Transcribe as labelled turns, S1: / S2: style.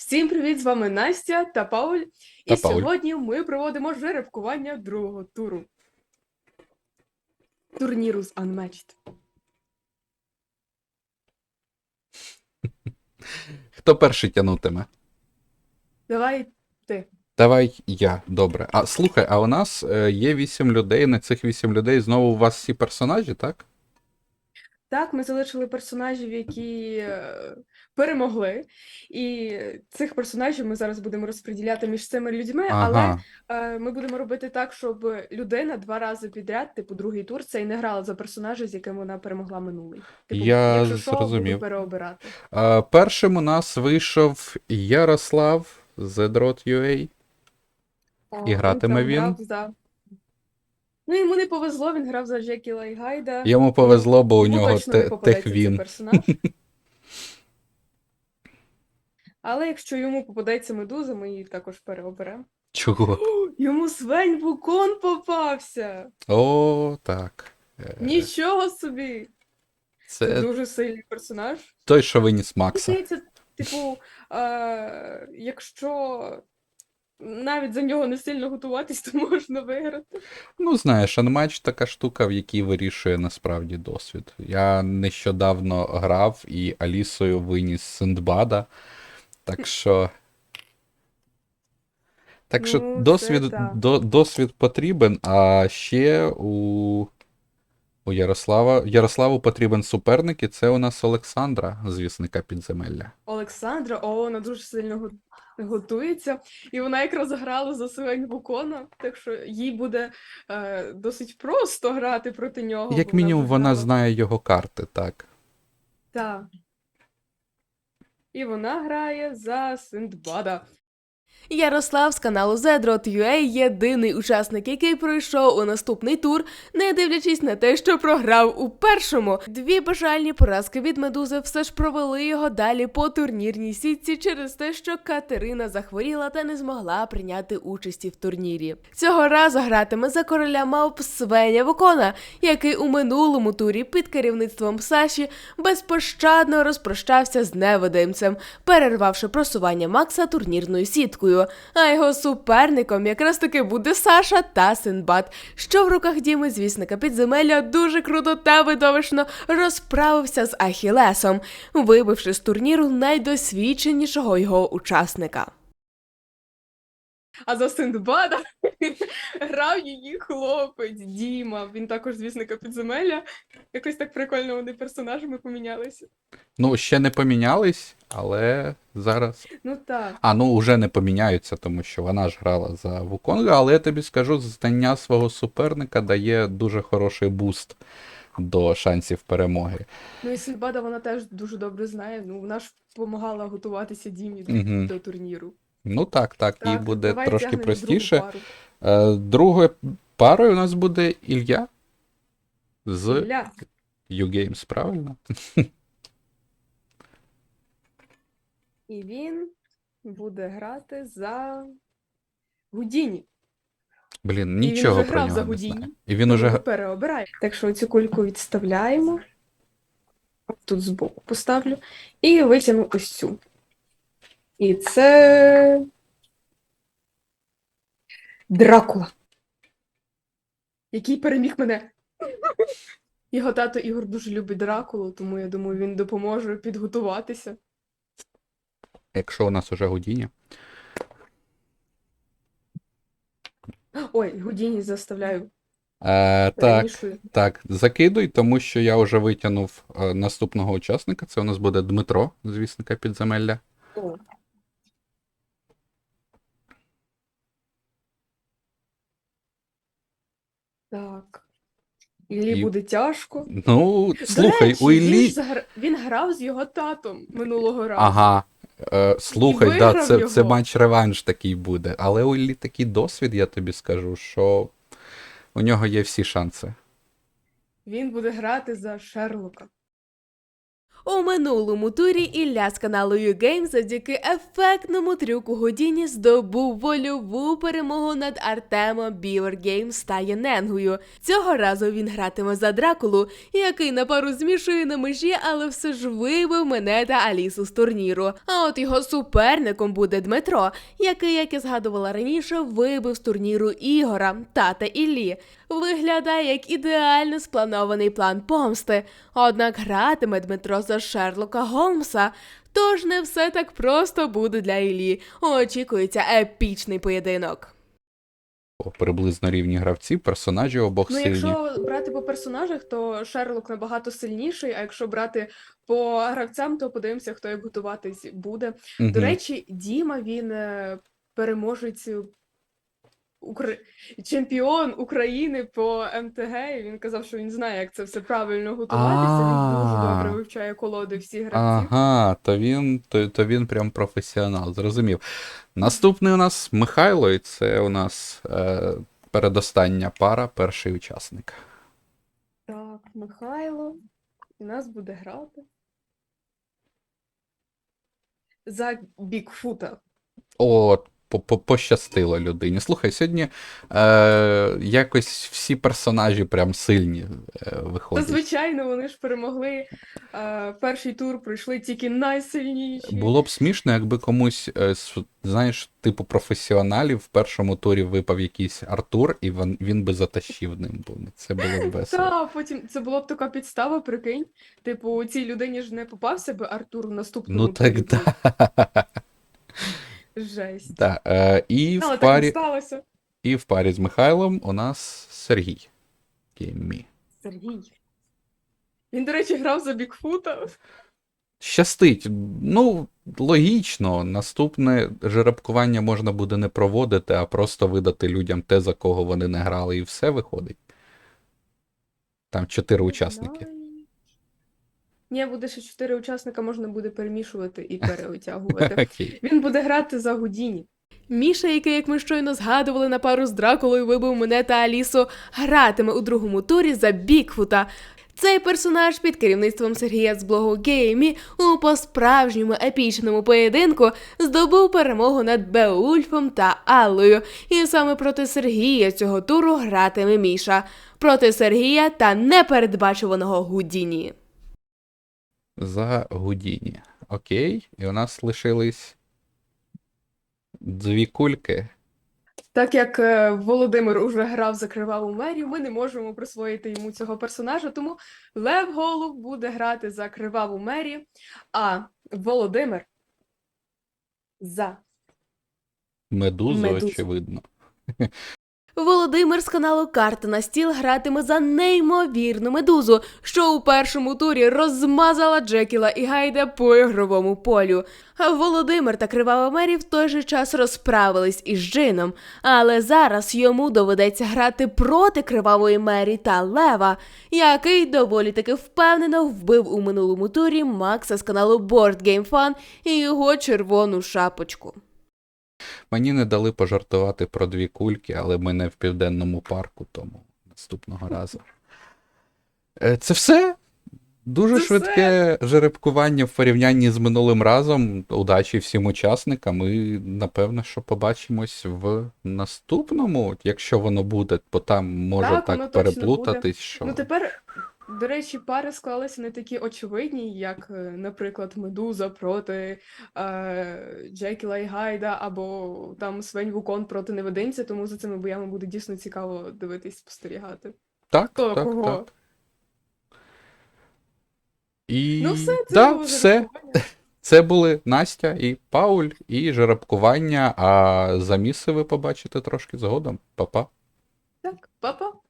S1: Всім привіт! З вами Настя та Пауль.
S2: Та
S1: І
S2: Пауль.
S1: сьогодні ми проводимо жеребкування другого туру турніру з Unmatched.
S2: Хто перший тянутиме?
S1: Давай ти.
S2: Давай я, добре. А слухай, а у нас є 8 людей. На цих 8 людей знову у вас всі персонажі, так?
S1: Так, ми залишили персонажів, які перемогли. І цих персонажів ми зараз будемо розподіляти між цими людьми, але
S2: Ага.
S1: ми будемо робити так, щоб людина 2 рази підряд, типу другий тур, це і не грала за персонажа, з яким вона перемогла минулий. Типу,
S2: Я
S1: якщо що, буду
S2: зрозумів.
S1: переобирати.
S2: Першим у нас вийшов Ярослав Z.UA. І
S1: Він
S2: гратиме
S1: там грав
S2: він.
S1: за. Ну, йому не повезло, він грав за Джекіла і Гайда.
S2: Йому
S1: Ну,
S2: повезло, бо у
S1: йому
S2: нього
S1: точно не попадеться цей
S2: техвін.
S1: персонаж. Але якщо йому попадеться медуза, ми її також переоберемо.
S2: Чого?
S1: Йому Свень Вукон попався!
S2: О, так.
S1: Нічого собі! Це
S2: Це
S1: дуже сильний персонаж.
S2: той, що виніс
S1: Мені
S2: Макса.
S1: здається, типу, якщо навіть за нього не сильно готуватись, то можна виграти.
S2: Ну, знаєш, анматч така штука, в якій вирішує насправді досвід. Я нещодавно грав і Алісою виніс Синдбада. Так що. Так що
S1: Ну, це
S2: досвід,
S1: так.
S2: досвід потрібен, а ще у Ярославу потрібен суперник, і це у нас Олександра, звісника підземелля.
S1: Олександра, вона дуже сильно готується, і вона якраз грала за Свень Вукона, так що їй буде досить просто грати проти нього,
S2: Як
S1: бо вона
S2: мінімум,
S1: вже
S2: вона
S1: грала.
S2: знає його карти, так.
S1: Так. І вона грає за Синдбада. Ярослав з каналу Zedrot.ua єдиний учасник, який пройшов у наступний тур, не дивлячись на те, що програв у першому. 2 бажальні поразки від Медузи все ж провели його далі по турнірній сітці через те, що Катерина захворіла та не змогла прийняти участі в турнірі. Цього разу гратиме за короля мавп Свеня Вукона, який у минулому турі під керівництвом Саші безпощадно розпрощався з невидимцем, перервавши просування Макса турнірною сіткою. А його суперником якраз таки буде Саша та Синдбад, що в руках Діми, звісника підземелля, дуже круто та видовищно розправився з Ахілесом, вибивши з турніру найдосвідченішого його учасника. А за Синдбада грав її хлопець Діма. Він також звісника підземелля. Якось так прикольно вони персонажами помінялися.
S2: Ну, ще не помінялись, але зараз.
S1: Ну так.
S2: Ну вже не поміняються, тому що вона ж грала за Вуконга, але я тобі скажу, знання свого суперника дає дуже хороший буст до шансів перемоги.
S1: Ну і Синдбада вона теж дуже добре знає. Ну, вона ж допомагала готуватися Дімі
S2: Угу.
S1: до турніру.
S2: Ну так, їй
S1: Так,
S2: буде
S1: давай
S2: трошки
S1: тягнемо другу
S2: простіше.
S1: пару.
S2: Другою парою у нас буде Ілля з
S1: Ілля.
S2: YouGames, правильно?
S1: І він буде грати за Гудіні.
S2: Блін,
S1: І він
S2: нічого
S1: вже
S2: про
S1: грав за
S2: нього не знаю.
S1: Гудіні,
S2: І він
S1: тому
S2: уже.
S1: ми переобираємо. Так що цю кульку відставляємо. Тут збоку поставлю. І витягну ось цю. І це Дракула, який переміг мене. Його тато Ігор дуже любить Дракулу, тому я думаю, він допоможе підготуватися.
S2: Якщо у нас уже Гудіні.
S1: Ой, Гудіні заставляю.
S2: Так,
S1: Перемішую.
S2: закидуй, тому що я вже витягнув наступного учасника. Це у нас буде Дмитро, звісника підземелля.
S1: О. Так. Іллі буде тяжко.
S2: Ну,
S1: До
S2: слухай,
S1: речі,
S2: у Іллі.
S1: він грав з його татом минулого разу.
S2: Ага. Слухай,
S1: І
S2: да,
S1: виграв
S2: це
S1: його.
S2: матч-реванш такий буде. Але у Іллі такий досвід, я тобі скажу, що у нього є всі шанси.
S1: Він буде грати за Шерлока. У минулому турі Ілля з каналу YouGame завдяки ефектному трюку Гудіні здобув вольову перемогу над Артемом Біоргеймс та Єненгою. Цього разу він гратиме за Дракулу, який на пару змішує на межі, але все ж вибив мене та Алісу з турніру. А от його суперником буде Дмитро, який, як я згадувала раніше, вибив з турніру Ігора, тата Іллі. Виглядає як ідеально спланований план помсти. Однак гратиме Дмитро за Шерлока Голмса, тож не все так просто буде для Іллі. Очікується епічний поєдинок.
S2: Приблизно рівні гравці, персонажі обох
S1: Ну,
S2: сильні.
S1: якщо брати по персонажах, то Шерлок набагато сильніший, а якщо брати по гравцям, то подивимося, хто як готуватись буде.
S2: Мгм.
S1: До речі, Діма, він переможець чемпіон України по МТГ, і він казав, що він знає, як це все правильно готуватися, він дуже
S2: А.
S1: добре вивчає колоди всіх гравців.
S2: Ага, то він прям професіонал, зрозумів. Наступний у нас Михайло, і це у нас передостання пара, перший учасник.
S1: Так, Михайло, і нас буде грати за Бікфута.
S2: О, пощастило людині. Слухай, сьогодні якось всі персонажі прям сильні
S1: Та,
S2: виходять.
S1: звичайно, вони ж перемогли. Перший тур пройшли тільки найсильніші.
S2: Було б смішно, якби комусь, знаєш, типу професіоналів в першому турі випав якийсь Артур, і він би затащив ним. Бо це було б весело.
S1: Та, потім це була б така підстава, прикинь. Типу, цій людині ж не попався би Артур в наступному
S2: Ну так
S1: турі.
S2: да.
S1: Жесть.
S2: Да, і
S1: Але
S2: в
S1: так не
S2: парі,
S1: сталося.
S2: і в парі з Михайлом у нас Сергій. Кіммі.
S1: Сергій. Він, до речі, грав за Бікфута.
S2: Щастить. Ну, логічно, наступне жеребкування можна буде не проводити, а просто видати людям те, за кого вони не грали, і все виходить. Там 4 учасники.
S1: Ні, буде ще 4 учасника, можна буде перемішувати і переотягувати.
S2: Окей.
S1: Він буде грати за Гудіні. Міша, який, як ми щойно згадували, на пару з Дракулою вибив мене та Алісу, гратиме у другому турі за Бікфута. Цей персонаж під керівництвом Сергія з блогу Геймі у по-справжньому епічному поєдинку здобув перемогу над Беульфом та Аллою. І саме проти Сергія цього туру гратиме Міша. Проти Сергія та непередбачуваного Гудіні.
S2: За Гудіні. Окей. І у нас лишились 2 кульки.
S1: Так як Володимир уже грав за Криваву Мерію, ми не можемо присвоїти йому цього персонажа, тому Лев Голуб буде грати за Криваву Мерію, а Володимир за
S2: Медузу,
S1: Медузу.
S2: очевидно.
S1: Володимир з каналу «Карта на стіл» гратиме за неймовірну медузу, що у першому турі розмазала Джекіла і Гайда по ігровому полю. А Володимир та Кривава Мері в той же час розправились із Джином, але зараз йому доведеться грати проти Кривавої Мері та Лева, який доволі таки впевнено вбив у минулому турі Макса з каналу Board Game Fun і його червону шапочку.
S2: Мені не дали пожартувати про 2 кульки, але ми не в Південному парку, тому наступного разу. Це все. Дуже
S1: Це
S2: швидке жеребкування в порівнянні з минулим разом. Удачі всім учасникам і, напевно, що побачимось в наступному, якщо воно буде, бо там може
S1: Так, воно
S2: так
S1: точно
S2: переплутатись,
S1: буде.
S2: що...
S1: Ну тепер, до речі, пари склалися не такі очевидні, як, наприклад, Медуза проти Джекіла і Гайда, або там Свень Вукон проти Невидимця, тому за цими боями буде дійсно цікаво дивитись, спостерігати.
S2: Так,
S1: Хто
S2: так,
S1: кого?
S2: так. І...
S1: Ну все, це
S2: да,
S1: було
S2: все.
S1: жеребкування.
S2: Це були Настя і Пауль, і жеребкування, а заміси ви побачите трошки згодом. Па-па.
S1: Так, па-па.